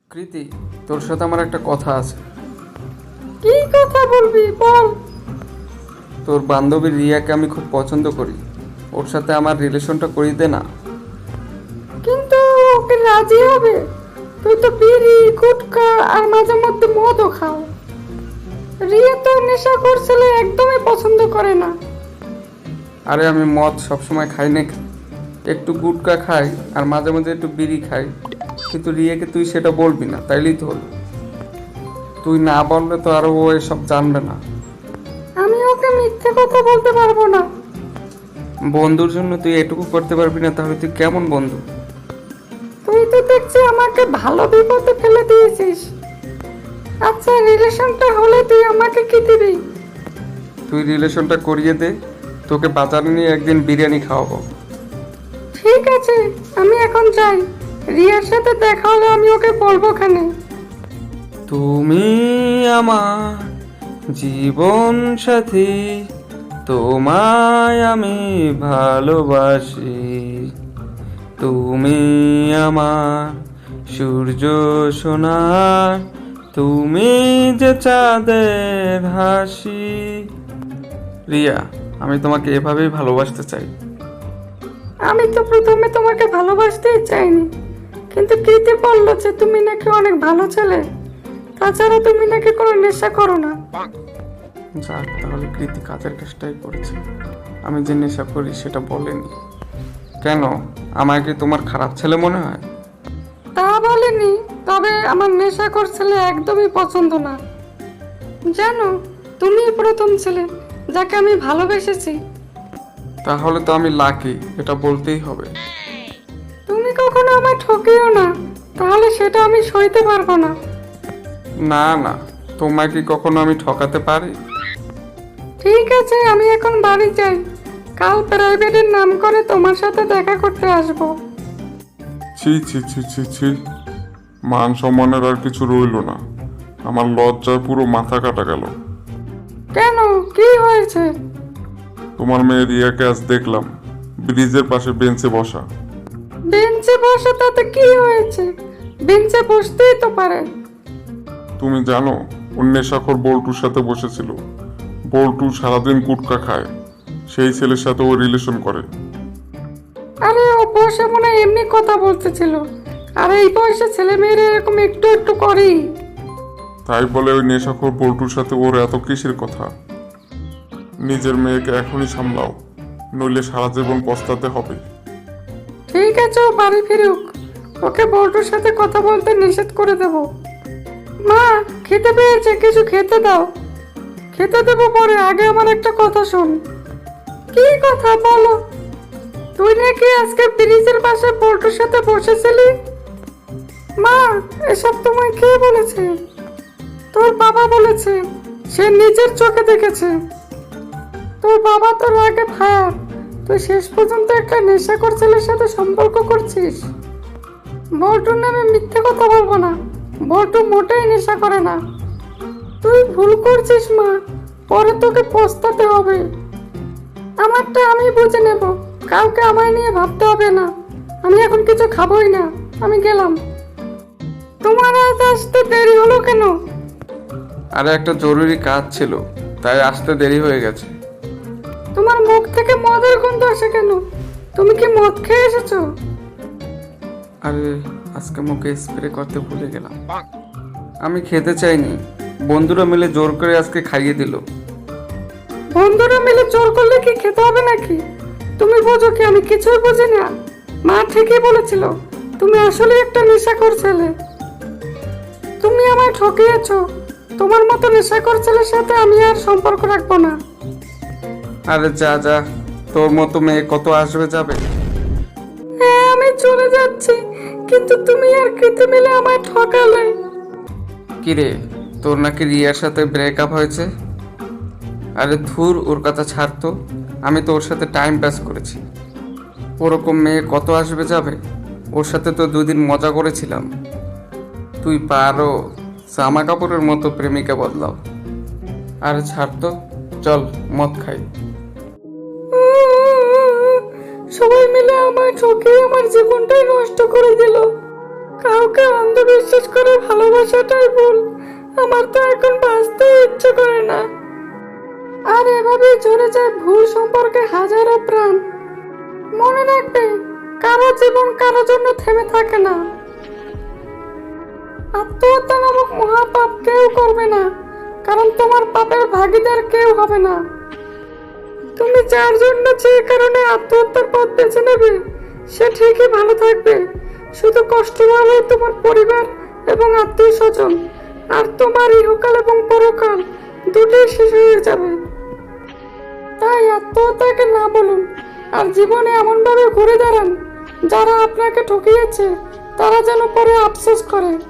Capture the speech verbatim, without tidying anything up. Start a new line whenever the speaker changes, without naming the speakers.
কৃতি, তোর সাথে আমার একটা কথা আছে।
কি কথা বলবি বল।
তোর বান্ধবী রিয়াকে আমি খুব পছন্দ করি, ওর সাথে আমার রিলেশনটা করিয়ে দে না।
কিন্তু ওকে রাজি হবে? তুই তো বিড়ি গুটখা আর মাঝে মধ্যে মদও খাও। রিয়া তো নেশা করছিলে, একদমই পছন্দ করে না।
আরে আমি মদ সবসময় খাই না, একটু গুটকা খাই আর মাঝে মাঝে একটু বিড়ি খাই, কিন্তু রিয়াকে তুই সেটা বলবি না, তাইলেই তো হলো। তুই না বললে তো আরো ও এসব জানবে না।
আমি ওকে মিথ্যে কথা বলতে পারবো না।
বন্ধুর জন্য তুই এটুকু করতে পারবি না, তাহলে তুই কেমন বন্ধু?
তুই তো দেখছি আমাকে ভালো বিপদে ফেলে দিয়েছিস। আচ্ছা, রিলেশনটা হলে তুই আমাকে কি দিবি?
তুই রিলেশনটা করিয়ে দে, তোকে বাজারে নিয়ে একদিন বিরিয়ানি খাওয়াবো।
ঠিক আছে, আমি এখন যাই। রিয়ার সাথে দেখা হলে আমি ওকে বলবো খানে।
তুমি আমার জীবন সাথী, তোমায় আমি ভালোবাসি। তুমি আমার সূর্য সোনার, তুমি যে চাঁদের হাসি। রিয়া, আমি তোমাকে এভাবেই ভালোবাসতে চাই।
আমি তো প্রথমে তোমাকে ভালোবাসতেই চাইনি, কিন্তু কীতে বললো যে তুমি নাকি অনেক ভালো ছেলে, তাছাড়া তুমি নাকি কোনো নেশা করো না।
যাক, তাহলে কৃতি কাজের কাজটাই করেছে, আমি যে নেশা করি সেটা বলেনি। কেন, আমায় কি তোমার খারাপ ছেলে মনে হয়?
তা বলেনি, তবে আমার নেশাখোর ছেলে একদমই পছন্দ না। জানো, তুমি প্রথম ছেলে যাকে আমি ভালোবেসেছি।
তাহলে তো আমি লাকি, এটা বলতেই হবে।
তুমি কখনো আমায় ঠকিও না, তাহলে সেটা আমি সইতে পারবো না।
না না, তোমায় কি কখনো আমি ঠকাতে পারি?
ঠিক আছে, আমি এখন বাড়ি যাই। কাল প্রাইভেটের নাম করে তোমার সাথে দেখা করতে আসবো।
ছি ছি ছি ছি ছি, মান সম্মানের আর কিছু রইল না। আমার লজ্জায় পুরো মাথা কাটা গেল।
কেন, কি হয়েছে?
তোমার মেয়ে রিয়াকে আজ দেখলাম ব্রিজের পাশে বেঞ্চে বসা।
বেঞ্চে বসে তাতে কি হয়েছে? বেঞ্চে বসতেই তো পারে।
তুমি জানো, ওর নেশাখোর বল্টুর সাথে বসেছিল। বল্টু সারাদিন গুটকা খায়, সেই ছেলের সাথে ও রিলেশন করে।
আরে ও বসে মনে হয় এমনি কথা বলতেছিল, আর এই বয়সে ছেলে মেয়েরা এরকম একটু একটু করেই।
তাই বলে ওই নেশাখোর বল্টুর সাথে ওর এত কিসের কথা? নিজের মেয়েকে এখনই সামলাও, নইলে সারা জীবন পস্তাতে হবে।
ঠিক আছে, ও বাড়ি ফিরুক, ওকে বল্টুর সাথে কথা বলতে নিষেধ করে দেব। মা, খেতে পেয়েছে, কিছু খেতে দাও। খেতে দেবো পরে, আগে আমার একটা কথা শোন। কি কথা বলো? তুই নাকি আজকে ব্রিজের পাশে বল্টুর সাথে বসেছিলি? মা, এসব তোমায় কে বলেছে? তোর বাবা বলেছে, সে নিজের চোখে দেখেছে। তোর বাবা তোর আগে ফায়ার, তুই শেষ পর্যন্ত একটা নেশাখোর ছেলের সাথে সম্পর্ক করছিস। বল্টুর নামে মিথ্যে কথা বলবো না, বল্টু মোটেই নেশা করে না। তুই ভুল করছিস মা, পরে তোকে পস্তাতে হবে। আমারটা আমি বুঝে নেব, কাউকে আমায় নিয়ে ভাবতে হবে না। আমি এখন কিছু খাবোই না, আমি গেলাম। তোমার আজ আসতে দেরি হলো কেন?
আরে একটা জরুরি কাজ ছিল, তাই আসতে দেরি হয়ে গেছে।
তোমার মুখ থেকে মদের গন্ধ আসে কেন? তুমি কি মদ খেয়ে এসেছো?
আরে আজকে মুখে স্প্রে করতে ভুলে গেলাম। আমি খেতে চাইনি, বন্ধুরা মিলে জোর করে আজকে খাইয়ে দিল।
বন্ধুরা মিলে জোর করলে কি খেতে হবে নাকি? তুমি বোঝো কি? আমি কিছুই বুঝি না। মা ঠিকই বলেছিল, তুমি আসলে একটা নেশাখোর ছেলে। তুমি আমায় ঠকিয়েছো। তোমার মতো নেশাখোর ছেলের সাথে আমি আর সম্পর্ক রাখবো না।
আরে যা যা, তোর মতো মেয়ে কত আসবে যাবে।
হ্যাঁ, আমি চলে যাচ্ছি, কিন্তু তুমি আর কৃতি মিলে আমায় ঠকালে।
কিরে, তোর নাকি রিয়ার সাথে ব্রেকআপ হয়েছে? আরে ধুর, ওর কথা ছাড়তো, আমি তো ওর সাথে টাইম পাস করেছি। ওরকম মেয়ে কত আসবে যাবে, ওর সাথে তো দুদিন মজা করেছিলাম। তুই পারো জামা কাপড়ের মতো প্রেমিকা বদলাও। আরে ছাড়তো, চল মদ খাই।
সবাই মিলে আমায় ঠকিয়ে আমার জীবনটাই নষ্ট করে দিল। কাউকে অন্ধবিশ্বাস করে ভালোবাসাটাই ভুল। আমার তো এখন বাঁচতে ইচ্ছে করে না। আর এভাবেই ঝরে যায় ভুল সম্পর্কে হাজারো প্রাণ। মনে রাখবে, কারো জীবন কারো জন্য থেমে থাকে না। আত্মহত্যা নামক মহাপাপ কেউ করবে না, কারণ তোমার পাপের ভাগীদার কেউ হবে না। তুমি যার জন্য যে কারণে আত্মহত্যার পথ বেছে নেবে, সে ঠিকই ভালো থাকবে। শুধু কষ্ট পাবে তোমার পরিবার এবং আত্মীয় স্বজন, আর তোমার ইহকাল এবং পরকাল দুটোই শেষ হয়ে যাবে। তাই আত্মহত্যাকে না বলুন, আর জীবনে এমনভাবে ঘুরে দাঁড়ান যারা আপনাকে ঠকিয়েছে তারা যেন পরে আফসোস করে।